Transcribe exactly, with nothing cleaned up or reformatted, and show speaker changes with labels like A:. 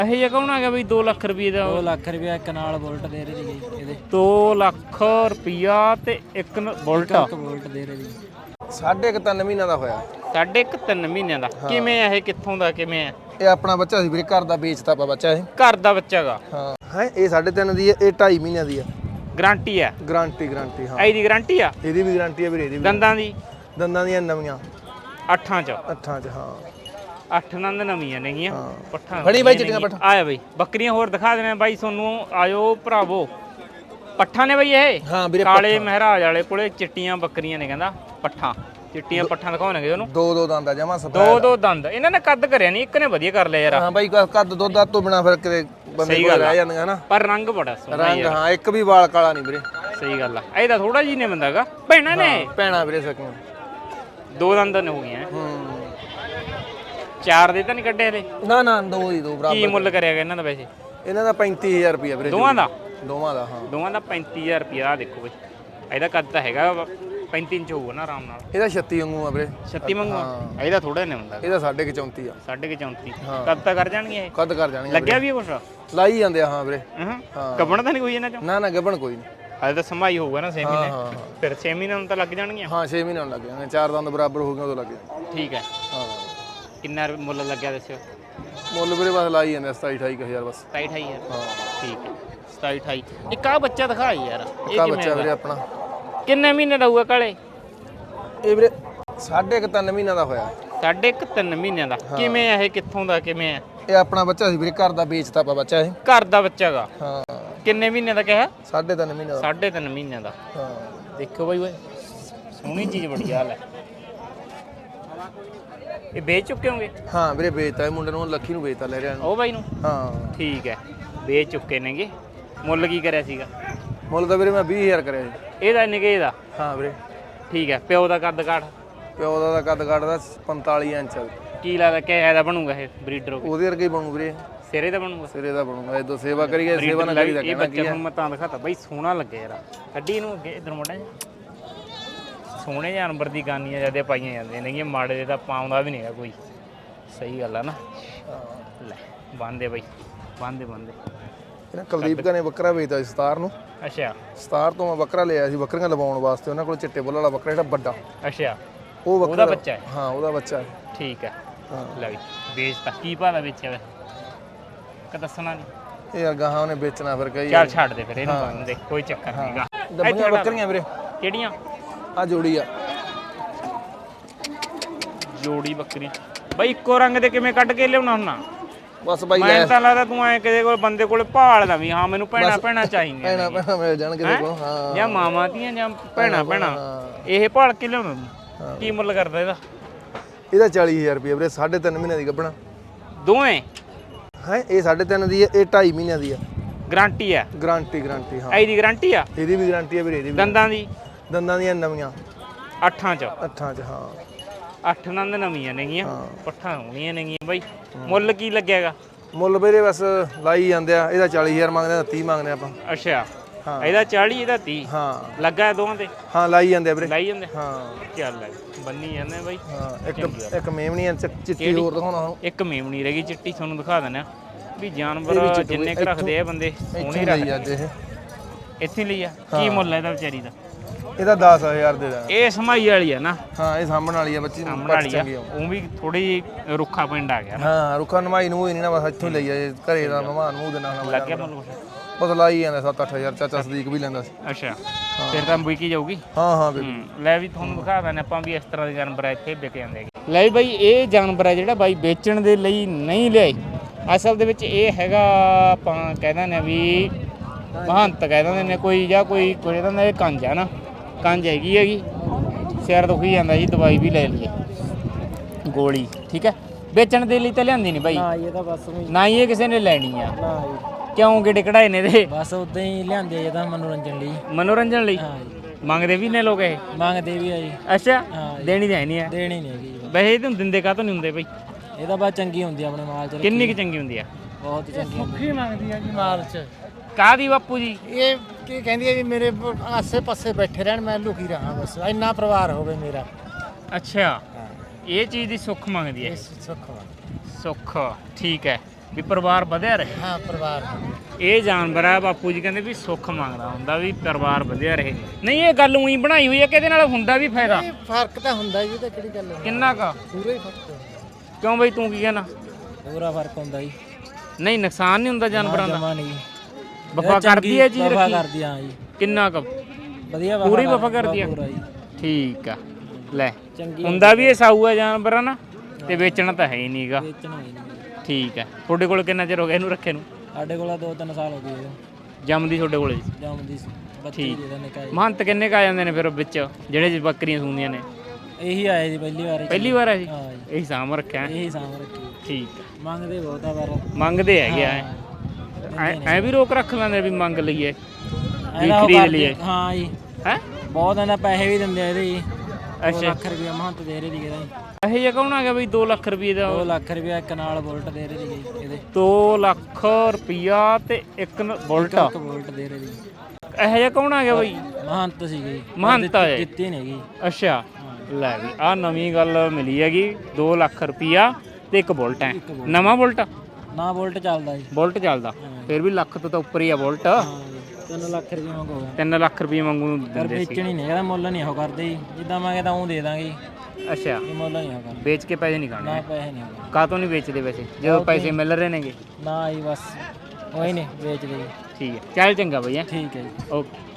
A: ਇਹ ਜਿਹਾ ਕੌਣ ਆ ਗਿਆ ਬਈ ਦੋ ਲੱਖ ਰੁਪਏ ਦਾ?
B: ਦੋ ਲੱਖ ਰੁਪਇਆ ਇੱਕ ਨਾਲ ਬੁਲਟ ਦੇ ਰਹੇ ਜੀ ਇਹਦੇ।
A: ਦੋ ਲੱਖ ਰੁਪਿਆ ਤੇ ਇੱਕ ਬੁਲਟ
B: ਇੱਕ ਬੁਲਟ ਦੇ ਰਹੇ ਜੀ।
C: ਸਾਢੇ ਇੱਕ ਤਿੰਨ ਮਹੀਨਿਆਂ ਦਾ ਹੋਇਆ।
A: ਸਾਢੇ ਇੱਕ ਤਿੰਨ ਮਹੀਨਿਆਂ ਦਾ। ਕਿਵੇਂ ਆ ਇਹ, ਕਿੱਥੋਂ ਦਾ ਕਿਵੇਂ ਆ?
C: ਇਹ ਆਪਣਾ ਬੱਚਾ ਸੀ ਵੀਰੇ, ਘਰ ਦਾ ਵੇਚਤਾ ਆਪਾਂ ਬੱਚਾ ਇਹ।
A: ਘਰ ਦਾ ਬੱਚਾ ਗਾ?
C: ਹਾਂ ਹੈ ਇਹ ਸਾਢੇ ਤਿੰਨ ਦੀ ਹੈ, ਇਹ ਢਾਈ ਮਹੀਨਿਆਂ ਦੀ ਆ।
A: ਗਾਰੰਟੀ ਆ?
C: ਗਾਰੰਟੀ ਗਾਰੰਟੀ ਹਾਂ।
A: ਇਹਦੀ ਗਾਰੰਟੀ ਆ?
C: ਇਹਦੀ ਵੀ ਗਾਰੰਟੀ ਆ ਵੀਰੇ, ਇਹਦੀ ਵੀ।
A: ਦੰਦਾਂ ਦੀ?
C: ਦੰਦਾਂ ਦੀਆਂ ਨਵੀਆਂ
A: ਅੱਠਾਂ ਚ?
C: ਅੱਠਾਂ ਚ ਹਾਂ।
A: ਅੱਠ ਨੰਦ ਨਵੀਆਂ ਨੇਗੀਆਂ ਪੱਠਾਂ।
C: ਫੜੀ ਬਾਈ ਚਿੱਟੀਆਂ ਪੱਠਾਂ।
A: ਆਇਆ ਬਈ ਬੱਕਰੀਆਂ ਹੋਰ ਦਿਖਾ ਦੇਣੇ ਬਾਈ ਤੁਹਾਨੂੰ, ਆਇਓ ਭਰਾਵੋ। ਪੱਠਾਂ ਨੇ ਬਈ ਇਹ?
C: ਹਾਂ ਵੀਰੇ
A: ਕਾਲੇ ਮਹਿਰਾਜ ਵਾਲੇ ਕੋਲੇ ਚਿੱਟੀਆਂ ਬੱਕਰੀਆਂ ਨੇ, ਕਹਿੰਦਾ ਪੱਠਾਂ ਚਿੱਟੀਆਂ ਪੱਠਾਂ ਦਿਖਾਉਣਗੇ ਉਹਨੂੰ।
C: ਦੋ ਦੋ ਦੰਦ ਆ ਜਮਾ ਸਫਾ।
A: ਦੋ ਦੋ ਦੰਦ ਇਹਨਾਂ ਨੇ ਕੱਦ ਕਰਿਆ ਨਹੀਂ, ਇੱਕ ਨੇ ਵਧੀਆ ਕਰ ਲਿਆ ਯਾਰ।
C: ਹਾਂ ਬਾਈ ਕੱਦ ਦੁੱਧ ਦਾ ਤੋਂ ਬਿਨਾ ਫਿਰ ਕਿਤੇ ਬੰਦੇ ਕੋਲ ਰਹਿ ਜਾਂਦੀਆਂ ਨਾ।
A: ਪਰ ਰੰਗ ਬੜਾ ਸੋਹਣਾ
C: ਰੰਗ ਹਾਂ, ਇੱਕ ਵੀ ਵਾਲ ਕਾਲਾ ਨਹੀਂ ਵੀਰੇ।
A: ਸਹੀ ਗੱਲ ਆ। ਇਹਦਾ ਥੋੜਾ ਜੀ ਨੇ ਬੰਦਾਗਾ ਭੈਣਾ ਨੇ
C: ਭੈਣਾ ਵੀਰੇ ਸਕੀਆਂ
A: ਦੋ ਦੰਦ ਨੇ ਹੋ ਗਈਆਂ।
C: ਹੂੰ
A: ਚਾਰ ਦੇ ਤਾਂ ਨਹੀਂ ਕੱਢੇ ਹਲੇ?
C: ਨਾ ਨਾ ਦੋ ਹੀ ਦੋ ਬਰਾਬਰ।
A: ਕੀ ਮੁੱਲ ਕਰਿਆਗਾ ਇਹਨਾਂ ਦਾ ਵੈਸੇ?
C: ਇਹਨਾਂ ਦਾ ਪੈਂਤੀ ਹਜ਼ਾਰ ਰੁਪਏ ਵੀਰੇ।
A: ਦੋਵਾਂ ਦਾ?
C: ਦੋਵਾਂ ਦਾ ਹਾਂ।
A: ਦੋਵਾਂ ਦਾ ਪੈਂਤੀ ਹਜ਼ਾਰ ਰੁਪਏ। ਆ ਦੇਖੋ ਬਈ ਇਹਦਾ ਕੱਦ ਤਾਂ ਹੈਗਾ ਪੈਂਤੀ ਇੰਚ ਹੋਊਗਾ ਨਾ ਆਰਾਮ ਨਾਲ।
C: ਇਹਦਾ ਛੱਤੀ ਵਾਂਗੂ ਆ ਵੀਰੇ।
A: ਛੱਤੀ ਵਾਂਗੂ? ਇਹਦਾ ਥੋੜਾ ਨਹੀਂ ਹੁੰਦਾ।
C: ਇਹਦਾ ਸਾਢੇ ਕੁ ਚੌਂਤੀ ਆ।
A: ਸਾਢੇ ਕੁ ਚੌਂਤੀ। ਕੱਦ ਤਾਂ ਕਰ ਜਾਣਗੇ ਇਹ?
C: ਕੱਦ ਕਰ ਜਾਣਗੇ।
A: ਲੱਗਿਆ ਵੀ ਕੁਛ?
C: ਲਾਈ ਜਾਂਦੇ ਆ ਹਾਂ ਵੀਰੇ।
A: ਹਾਂ ਗੱਬਣ ਤਾਂ ਨਹੀਂ ਕੋਈ ਇਹਨਾਂ ਚੋਂ?
C: ਨਾ ਨਾ ਗੱਬਣ ਕੋਈ ਨਹੀਂ।
A: ਹਾਲੇ ਤਾਂ ਸਮਾਈ ਹੋਊਗਾ ਨਾ ਛੇ
C: ਹਾਂ
A: ਮਹੀਨੇ।
C: ਹਾਂ
A: ਫਿਰ ਛੇ ਮਹੀਨੇ ਨੂੰ ਤਾਂ ਲੱਗ ਜਾਣਗੀਆਂ।
C: ਹਾਂ ਛੇ ਮਹੀਨੇ ਨੂੰ ਲੱਗ ਜਾਣਗੇ। ਚਾਰ ਦੰਦ ਬਰਾਬਰ ਹੋ ਗਏ ਉਦੋਂ ਲੱਗ ਜਾਣਗੇ।
A: ਠੀਕ ਹੈ।
C: ਹਾਂ
A: ਕਿੰਨਾ ਮੁੱਲ ਲੱਗਿਆ ਦੱਸਿਓ?
C: ਮੁੱਲ ਵੀਰੇ ਬਸ ਲਾਈ ਜਾਂਦੇ ਸਤਾਈ ਅਠਾਈ ਹਜ਼ਾਰ ਬਸ।
A: ਸਤਾਈ ਅਠਾਈ ਹਜ਼ਾਰ?
C: ਹਾਂ
A: ਠੀਕ ਹੈ ਸਤਾਈ ਅਠਾਈ। ਇੱਕ ਆ ਬੱਚਾ ਦਿਖਾਈ ਯਾਰ, ਇਹ
C: ਕਾ
A: ਕਿਵੇਂ
C: ਬੱਚਾ ਵੀਰੇ
A: ਹੈਗਾ?
C: ਆਪਣਾ
A: ਕਿੰਨੇ ਮਹੀਨੇ ਦਾ ਹੋਊਗਾ ਕਾਲੇ?
C: ਇਹ ਵੀਰੇ ਸਾਢੇ ਕੁ ਤਿੰਨ ਮਹੀਨਿਆਂ ਦਾ ਹੋਇਆ।
A: ਸਾਢੇ ਇੱਕ ਤਿੰਨ ਮਹੀਨਿਆਂ ਦਾ। ਕਿਵੇਂ ਆ ਇਹ, ਕਿੱਥੋਂ ਦਾ ਕਿਵੇਂ ਆ?
C: ਇਹ ਆਪਣਾ ਬੱਚਾ ਸੀ ਵੀਰੇ, ਘਰ ਦਾ ਵੇਚਤਾ ਆਪਾਂ ਬੱਚਾ ਇਹ।
A: ਘਰ ਦਾ ਬੱਚਾ ਗਾ?
C: ਹਾਂ
A: ਕਿੰਨੇ ਮਹੀਨੇ ਦਾ ਕਿਹਾ?
C: ਸਾਢੇ ਤਿੰਨ ਮਹੀਨੇ ਦਾ।
A: ਸਾਢੇ ਤਿੰਨ ਮਹੀਨਿਆਂ ਦਾ।
C: ਹਾਂ
A: ਦੇਖੋ ਬਾਈ ਓਏ ਸੋਹਣੀ ਚੀਜ਼ ਬੜੀ ਹਾਲ ਹੈ। ਇਹ ਵੇਚ ਚੁੱਕੇ ਹੋਗੇ?
C: ਹਾਂ ਵੀਰੇ ਵੇਚਤਾ ਇਹ ਮੁੰਡੇ ਨੂੰ, ਲੱਖੀ ਨੂੰ ਵੇਚਤਾ ਲੈ ਰਿਆ ਨੂੰ।
A: ਉਹ ਬਾਈ ਨੂੰ?
C: ਹਾਂ
A: ਠੀਕ ਹੈ ਵੇਚ ਚੁੱਕੇ ਨੇਗੇ। ਮੁੱਲ ਕੀ ਕਰਿਆ ਸੀਗਾ?
C: ਮੁੱਲ ਤਾਂ ਵੀਰੇ ਮੈਂ ਵੀਹ ਹਜ਼ਾਰ ਕਰਿਆ ਜੀ।
A: ਇਹਦਾ ਨਿਕੇ ਦਾ?
C: ਹਾਂ ਵੀਰੇ।
A: ਠੀਕ ਹੈ। ਪਿਓ ਦਾ ਕੱਦ ਕਾਠ?
C: ਪਿਓ ਦਾ ਤਾਂ ਕੱਦ ਕੱਟਦਾ ਪੰਤਾਲੀ ਇੰਚ।
A: ਕੀ ਲੱਗਦਾ ਕਿਹੋ ਦਾ ਬਣੂਗਾ ਇਹ ਬਰੀਡਰ?
C: ਉਹਦੇ ਵਰਗਾ ਹੀ ਬਣੂ ਵੀਰੇ।
A: ਸਿਰੇ ਦਾ ਬਣੂਗਾ?
C: ਸਿਰੇ ਦਾ ਬਣੂਗਾ। ਇਹ ਤੋਂ ਸੇਵਾ ਕਰੀਏ, ਸੇਵਾ ਨਾ ਕਰੀਦਾ।
A: ਇਹ ਬੱਚਾ ਹੁਣ ਮੈਂ ਤਾਂ ਦਿਖਾਤਾ ਬਾਈ, ਸੋਹਣਾ ਲੱਗਿਆ ਯਾਰ। ਕੱਢੀ ਇਹਨੂੰ ਅੱਗੇ ਇਧਰ ਮੋੜਾ। ਸੋਹਣੇ ਜਾਨਵਰ ਦੀ ਗਾਨੀਆਂ ਜਿਆਦਾ ਪਾਈਆਂ ਜਾਂਦੀਆਂ ਨੇਗੀਆਂ, ਮਾੜੇ ਦੇ ਤਾਂ ਪਾਉਂਦਾ ਵੀ ਨਹੀਂਗਾ ਕੋਈ। ਸਹੀ ਗੱਲ ਆ ਨਾ। ਲੈ ਬੰਦੇ ਬਾਈ, ਬੰਦੇ ਬੰਦੇ।
C: ਇਹਨਾਂ ਕੁਲਦੀਪ ਕਾ ਨੇ ਬੱਕਰਾ ਵੇਚਦਾ ਸੀ ਸਤਾਰ ਨੂੰ।
A: ਅੱਛਾ।
C: ਸਤਾਰ ਤੋਂ ਮੈਂ ਬੱਕਰਾ ਲਿਆ ਸੀ ਬੱਕਰੀਆਂ ਲਵਾਉਣ ਵਾਸਤੇ। ਉਹਨਾਂ ਕੋਲ ਚਿੱਟੇ ਬੁੱਲ ਵਾਲਾ ਬੱਕਰਾ ਜਿਹੜਾ ਵੱਡਾ।
A: ਅੱਛਾ
C: ਉਹ ਬੱਕਰਾ
A: ਉਹਦਾ ਬੱਚਾ ਹੈ?
C: ਹਾਂ ਉਹਦਾ ਬੱਚਾ ਹੈ।
A: ਠੀਕ ਹੈ।
C: ਹਾਂ
A: ਲੈ ਵੀ ਵੇਚਤਾ। ਕੀ ਭਾਅ ਦਾ ਵੇਚਿਆ ਵੇ ਕਿ ਦੱਸਣਾ ਨਹੀਂ?
C: ਇਹ ਯਾਰ ਗਾਹਾਂ ਉਹਨੇ ਵੇਚਣਾ ਫਿਰ ਕਈ।
A: ਚੱਲ ਛੱਡ ਦੇ ਫਿਰ ਇਹਨੂੰ, ਬੰਨ ਦੇ ਕੋਈ ਚੱਕਰ ਨਹੀਂਗਾ।
C: ਡੱਬੀਆਂ ਬੱਕਰੀਆਂ ਵੀਰੇ
A: ਕਿਹੜੀਆਂ?
C: ਆ ਜੋੜੀ ਆ।
A: ਜੋੜੀ ਬੱਕਰੀ ਬਾਈ ਇੱਕੋ ਰੰਗ ਦੇ ਕਿਵੇਂ ਕੱਢ ਕੇ ਲਿਆਉਣਾ ਹੁੰਨਾ?
C: ਬਸ ਬਾਈ
A: ਮੈਂ ਤਾਂ ਲੱਗਦਾ ਤੂੰ ਐ ਕਿਸੇ ਕੋਲ ਬੰਦੇ ਕੋਲ ਭਾਲਦਾ ਵੀ ਹਾਂ ਮੈਨੂੰ ਭੈਣਾ ਭੈਣਾ ਚਾਹੀਦੀਆਂ
C: ਭੈਣਾ ਭੈਣਾ ਮਿਲ ਜਾਣ ਕਿਤੇ ਕੋਲ। ਹਾਂ
A: ਜਾਂ ਮਾਵਾਂ ਦੀਆਂ ਜਾਂ ਭੈਣਾ ਭੈਣਾ। ਇਹ ਭਾਲ ਕੇ ਲਿਆਉਣਾ ਤੂੰ? ਕੀ ਮੁੱਲ ਕਰਦਾ ਇਹਦਾ?
C: ਇਹਦਾ ਚਾਲੀ ਹਜ਼ਾਰ ਰੁਪਏ ਵੀਰੇ। ਸਾਢੇ ਤਿੰਨ ਮਹੀਨੇ ਦੀ ਗੱਭਣਾ
A: ਦੋਵੇਂ?
C: ਹੈ ਇਹ ਸਾਢੇ ਤਿੰਨ ਦੀ ਹੈ, ਇਹ ਢਾਈ ਮਹੀਨਿਆਂ ਦੀ ਆ।
A: ਗਾਰੰਟੀ ਆ?
C: ਗਾਰੰਟੀ ਗਾਰੰਟੀ ਹਾਂ।
A: ਇਹਦੀ ਗਾਰੰਟੀ ਆ?
C: ਇਹਦੀ ਵੀ ਗਾਰੰਟੀ ਹੈ ਵੀਰੇ। ਇਹਦੀ ਵੀ।
A: ਦੰਦਾਂ ਦੀ?
C: ਦੰਦਾਂ ਦੀਆਂ ਨਵੀਆਂ
A: ਅੱਠਾਂ ਚ?
C: ਅੱਠਾਂ ਚ ਹਾਂ।
A: ਅੱਠ ਨੰਦ ਨਵੀਆਂ ਨੇਗੀਆਂ ਪੱਠਾਂ ਹੋਣੀਆਂ ਨੇਗੀਆਂ ਬਾਈ। ਮੁੱਲ ਕੀ ਲੱਗਿਆਗਾ?
C: ਮੁੱਲ ਵੀਰੇ ਬਸ ਲਾਈ ਜਾਂਦੇ ਆ। ਇਹਦਾ ਚਾਲੀ ਹਜ਼ਾਰ ਮੰਗਦੇ ਆ, ਤੀਹ ਮੰਗਦੇ ਆਪਾਂ।
A: ਅੱਛਾ
C: ਹਾਂ
A: ਇਹਦਾ ਚਾਲੀ ਇਹਦਾ ਤੀਹ?
C: ਹਾਂ
A: ਲੱਗਾ ਦੋਵਾਂ ਤੇ?
C: ਹਾਂ ਲਾਈ ਜਾਂਦੇ ਆ ਵੀਰੇ।
A: ਲਾਈ ਜਾਂਦੇ?
C: ਹਾਂ
A: ਚੱਲ ਲੈ ਬੰਨੀ ਜਾਂਦੇ ਬਾਈ।
C: ਹਾਂ ਇੱਕ ਇੱਕ ਮੇਮਣੀ ਆ ਚਿੱਟੀ ਹੋਰ ਦਿਖਾਉਣਾ।
A: ਇੱਕ ਮੇਮਣੀ ਰਹਿ ਗਈ ਚਿੱਟੀ, ਤੁਹਾਨੂੰ ਦਿਖਾ ਦਿੰਦੇ ਆ ਵੀ ਜਾਨਵਰ ਜਿੰਨੇ ਕੁ ਰੱਖਦੇ ਆ ਬੰਦੇ ਸੋਹਣੇ ਰੱਖਦੇ।
C: ਅੱਜ ਇਹ
A: ਇੱਥੇ ਲਈ ਆ। ਕੀ ਮੁੱਲ ਹੈ ਇਹਦਾ ਵਿਚਾਰੀ ਦਾ?
C: ਇਹਦਾ ਦਸ ਹਜ਼ਾਰ ਦੇ ਦਾਂ।
A: ਇਹ ਸਮਾਈ ਵਾਲੀ ਆ ਨਾ?
C: ਹਾਂ ਇਹ ਸਾਹਮਣ ਵਾਲੀ ਆ ਬੱਚੀ।
A: ਸਾਹਮਣ ਵਾਲੀ ਆ। ਉਹ ਵੀ ਥੋੜੀ ਰੁੱਖਾ ਪਿੰਡ ਆ ਗਿਆ ਨਾ?
C: ਹਾਂ ਰੁੱਖਾ ਨਮਾਈ ਨੂੰ ਹੀ ਨਹੀਂ ਨਾ, ਬਸ ਇੱਥੋਂ ਹੀ ਲਈ ਆ। ਘਰੇ ਦਾ ਮਹਿਮਾਨ ਮੂੰਹ ਦੇ ਨਾਲ
A: ਲੱਗ ਗਿਆ ਮੁੱਲ?
C: ਬਸ ਲਾਈ ਜਾਂਦਾ ਸੱਤ ਅੱਠ ਹਜ਼ਾਰ। ਚਾਚਾ ਸਦੀਕ ਵੀ ਲੈਂਦਾ ਸੀ।
A: ਅੱਛਾ ਫਿਰ ਤਾਂ ਵਿਕੀ ਜਾਊਗੀ।
C: ਹਾਂ ਹਾਂ ਬਈ
A: ਲੈ ਵੀ ਤੁਹਾਨੂੰ ਦਿਖਾ ਦਿੰਦੇ ਆਪਾਂ ਵੀ ਇਸ ਤਰ੍ਹਾਂ ਦੇ ਜਾਨਵਰ ਇੱਥੇ ਵਿਕ ਜਾਂਦੇ ਹੈਗੇ। ਲੈ ਬਾਈ ਇਹ ਜਾਨਵਰ ਹੈ ਜਿਹੜਾ ਬਾਈ ਵੇਚਣ ਦੇ ਲਈ ਨਹੀਂ ਲਿਆਏ। ਅਸਲ ਦੇ ਵਿੱਚ ਇਹ ਹੈਗਾ ਆਪਾਂ ਕਹਿ ਦਿੰਦੇ ਆ ਵੀ ਮਹੰਤ ਕਹਿ ਦਿੰਦੇ ਨੇ ਕੋਈ, ਜਾਂ ਕੋਈ ਕੋਈ ਕਹਿੰਦਾ ਇਹ ਕੰਜ ਆ ਨਾ। ਕੰਜ ਹੈਗੀ ਹੈਗੀ, ਸਿਰ ਦੁਖੀ ਜਾਂਦਾ ਜੀ, ਦਵਾਈ ਵੀ ਲੈ ਲਈਏ ਗੋਲੀ। ਠੀਕ ਹੈ ਵੇਚਣ ਦੇ ਲਈ ਤਾਂ ਲਿਆਂਦੀ ਨਹੀਂ ਬਾਈ?
B: ਨਾ ਇਹ ਤਾਂ ਬਸ
A: ਨਾ ਹੀ ਇਹ ਕਿਸੇ ਨੇ ਲੈਣੀ ਆ?
B: ਨਾ ਜੀ।
A: ਕਿਉਂ ਕਿਹੜੇ ਕਢਾਏ ਨੇ ਦੇ?
B: ਬਸ ਉਦਾਂ ਹੀ ਲਿਆਂਦੇ ਇਹ ਤਾਂ ਮਨੋਰੰਜਨ ਲਈ।
A: ਮਨੋਰੰਜਨ ਲਈ?
B: ਹਾਂ ਜੀ।
A: ਮੰਗਦੇ ਵੀ ਨੇ ਲੋਕ ਇਹ?
B: ਮੰਗਦੇ ਵੀ ਆ ਜੀ।
A: ਅੱਛਾ
B: ਹਾਂ
A: ਦੇਣੀ ਤਾਂ ਹੈ ਨਹੀਂ ਆ?
B: ਦੇਣੀ ਨਹੀਂ ਹੈਗੀ।
A: ਵੈਸੇ ਇਹਨੂੰ ਦਿੰਦੇ ਕਾਹਤੋਂ ਨਹੀਂ ਹੁੰਦੇ ਬਈ?
B: ਇਹ ਤਾਂ ਬਸ ਚੰਗੀ ਹੁੰਦੀ ਆਪਣੇ ਮਾਲ ਚ।
A: ਕਿੰਨੀ ਕੁ ਚੰਗੀ ਹੁੰਦੀ ਆ?
B: ਬਹੁਤ ਚੰਗੀ। ਸੁੱਖੀ ਮੰਗਦੀ ਆ ਜੀ ਮਾਲ ਚ।
A: ਕਾਹਦੀ ਬਾਪੂ ਜੀ?
B: ਇਹ ਕੀ ਕਹਿੰਦੀ ਹੈ ਵੀ ਮੇਰੇ ਆਸੇ ਪਾਸੇ ਬੈਠੇ ਰਹਿਣ, ਮੈਂ ਲੁਕੀ ਰਹਾ, ਬਸ ਇੰਨਾ ਪਰਿਵਾਰ ਹੋਵੇ ਮੇਰਾ।
A: ਅੱਛਾ ਇਹ ਚੀਜ਼ ਦੀ ਸੁੱਖ ਮੰਗਦੀ ਹੈ?
B: ਸੁੱਖ
A: ਸੁੱਖ ਠੀਕ ਹੈ। ਵੀ ਪਰਿਵਾਰ ਵਧਿਆ ਰਹੇ।
B: ਹਾਂ ਪਰਿਵਾਰ
A: ਇਹ ਜਾਨਵਰ ਆ ਬਾਪੂ ਜੀ ਕਹਿੰਦੇ ਵੀ ਸੁੱਖ ਮੰਗਦਾ ਹੁੰਦਾ ਵੀ ਪਰਿਵਾਰ ਵਧਿਆ ਰਹੇ। ਨਹੀਂ ਇਹ ਗੱਲ ਉਹੀ ਬਣਾਈ ਹੋਈ ਹੈ ਕਿ ਇਹਦੇ ਨਾਲ ਹੁੰਦਾ ਵੀ ਫਾਇਦਾ।
B: ਇਹ ਫਰਕ ਤਾਂ ਹੁੰਦਾ ਜੀ, ਤਾਂ ਕਿਹੜੀ ਗੱਲ ਹੈ,
A: ਕਿੰਨਾ ਕਾ
B: ਪੂਰਾ ਹੀ ਫਰਕ
A: ਕਿਉਂ ਬਈ ਤੂੰ ਕੀ ਕਹਿਣਾ?
B: ਪੂਰਾ ਫਰਕ ਹੁੰਦਾ ਜੀ।
A: ਨਹੀਂ ਨੁਕਸਾਨ ਨਹੀਂ ਹੁੰਦਾ ਜਾਨਵਰਾਂ ਦਾ?
B: ਜਮਾ ਨਹੀਂ,
A: ਵਫਾ ਕਰਦੀ ਹੈ ਚੀਜ਼
B: ਵਫਾ
A: ਰੱਖੀ?
B: ਕਰਦੀ ਹਾਂ ਜੀ।
A: ਕਿੰਨਾ ਕੁ?
B: ਵਧੀਆ
A: ਪੂਰੀ ਵਫਾ ਕਰਦੀ ਆ?
B: ਪੂਰਾ ਜੀ।
A: ਠੀਕ ਆ ਲੈ
B: ਚੰਗੀ
A: ਹੁੰਦਾ ਵੀ ਇਹ ਸਾਊ ਆ ਜਾਨਵਰ ਆ ਨਾ ਤੇ ਵੇਚਣਾ ਤਾਂ ਹੈ ਹੀ ਨਹੀਂਗਾ।
B: ਵੇਚਣਾ ਹੀ ਨਹੀਂ।
A: ਠੀਕ ਆ ਤੁਹਾਡੇ ਕੋਲ ਕਿੰਨਾ ਚਿਰ ਹੋ ਗਿਆ ਇਹਨੂੰ ਰੱਖੇ ਨੂੰ?
B: ਸਾਡੇ ਕੋਲ ਦੋ ਤਿੰਨ ਸਾਲ ਹੋ ਗਏ
A: ਜੰਮਦੀ ਤੁਹਾਡੇ ਕੋਲ ਜੀ?
B: ਜੰਮਦੀ ਬੱਚੇ
A: ਠੀਕ।
B: ਦੇ ਦਿੰਦੇ ਕਾਇ।
A: ਮਹੰਤ ਕਿੰਨੇ ਕ ਆ ਜਾਂਦੇ ਨੇ ਫਿਰ ਵਿੱਚ ਜਿਹੜੇ ਜੀ ਬੱਕਰੀਆਂ ਸੂੰਦੀਆਂ ਨੇ?
B: ਇਹੀ ਆਏ ਜੀ ਪਹਿਲੀ ਵਾਰ।
A: ਪਹਿਲੀ ਵਾਰ ਆ ਜੀ?
B: ਹਾਂ ਜੀ।
A: ਇਹੀ ਸਾਂਭ ਰੱਖਿਆ?
B: ਇਹੀ ਸਾਂਭ ਰੱਖੀ।
A: ਠੀਕ ਆ
B: ਮੰਗਦੇ ਬਹੁਤ ਆ ਪਰ
A: ਮੰਗਦੇ ਹੈਗੇ ਆ ਐ ਐ ਵੀ ਰੋਕ ਰੱਖ ਲੈਂਦੇ ਵੀ ਮੰਗ ਲਈਏ ਵੀ
B: ਇਹਦਾ ਉਹ
A: ਖਰੀਦ
B: ਕਰਦੇ-
A: ਲਈਏ
B: ਹਾਂ ਜੀ
A: ਹੈ?
B: ਬਹੁਤ ਇਹਨਾਂ ਪੈਸੇ ਵੀ ਦਿੰਦੇ ਆ ਇਹਦੇ ਜੀ। ਦੋ
A: ਅੱਛਾ
B: ਲੱਖ ਰੁਪਇਆ ਮਹੰਤ ਦੇ ਰਹੇ ਸੀਗੇ ਇਹਦਾ ਜੀ।
A: ਇਹ ਜਿਹਾ ਕੌਣ ਆ ਗਿਆ ਬਈ ਦੋ ਲੱਖ ਰੁਪਏ ਦਾ?
B: ਦੋ ਲੱਖ ਰੁਪਇਆ ਇੱਕ ਨਾਲ ਬੁਲਟ ਦੇ ਰਹੇ ਸੀਗੇ ਇਹਦੇ।
A: ਦੋ ਲੱਖ ਰੁਪਿਆ ਤੇ ਇੱਕ ਨ- ਬੁਲਟ।
B: ਇੱਕ ਬੁਲਟ ਦੇ ਰਹੇ ਸੀ।
A: ਇਹੋ ਜਿਹਾ ਕੌਣ ਆ ਗਿਆ ਬਈ?
B: ਮਹੰਤ ਸੀਗੇ ਜੀ।
A: ਮਹੰਤ ਆ ਇਹ?
B: ਦਿੱਤੀ ਨਹੀਂ ਹੈਗੀ।
A: ਅੱਛਾ ਲੈ ਵੀ ਆ ਨਵੀਂ ਗੱਲ ਮਿਲੀ ਹੈਗੀ। ਦੋ ਲੱਖ ਰੁਪਿਆ ਤੇ ਇੱਕ ਬੁਲਟ ਹੈ। ਨਵਾਂ ਬੁਲਟ?
B: ਨਾ ਬੁਲਟ ਚੱਲਦਾ ਜੀ।
A: ਬੁਲਟ ਚੱਲਦਾ ਫਿਰ ਵੀ ਲੱਖ ਤੋਂ ਤਾਂ ਉੱਪਰ ਹੀ ਆ ਬੁਲਟ।
B: ਹਾਂ ਜੀ। ਤਿੰਨ ਲੱਖ ਰੁਪਏ ਮੰਗੋ ਗਿਆ।
A: ਤਿੰਨ ਲੱਖ ਰੁਪਏ ਵਾਂਗੂ ਨੂੰ
B: ਪਰ
A: ਦਿੰਦੇ ਸੀ।
B: ਵੇਚਣੀ ਨਹੀਂ ਇਹਦਾ ਮੁੱਲ ਨਹੀਂ ਉਹ ਕਰਦੇ ਜੀ। ਜਿੱਦਾਂ ਮੰਗੇ ਤਾਂ ਉਹ ਦੇ ਦਾਂਗੇ ਜੀ।
A: ਅੱਛਾ
B: ਇਹ ਮੁੱਲ ਨਹੀਂ ਉਹ ਕਰਦੇ।
A: ਵੇਚ ਕੇ ਪੈਸੇ ਨਹੀਂ
B: ਨਾ
A: ਖਾਣੇ?
B: ਪੈਸੇ ਨਹੀਂ ਹੋਗੇ।
A: ਕਾਹਤੋਂ ਨਹੀਂ ਵੇਚਦੇ ਵੈਸੇ ਜਦੋਂ ਪੈਸੇ ਮਿਲ ਰਹੇ ਨੇਗੇ?
B: ਨਾ ਜੀ ਬਸ ਉਹੀ ਨਹੀਂ ਵੇਚਦੇ ਜੀ।
A: ਠੀਕ ਹੈ ਚੱਲ ਚੰਗਾ ਬਈ ਹੈਂ।
B: ਠੀਕ ਹੈ ਜੀ।
A: ਓਕੇ।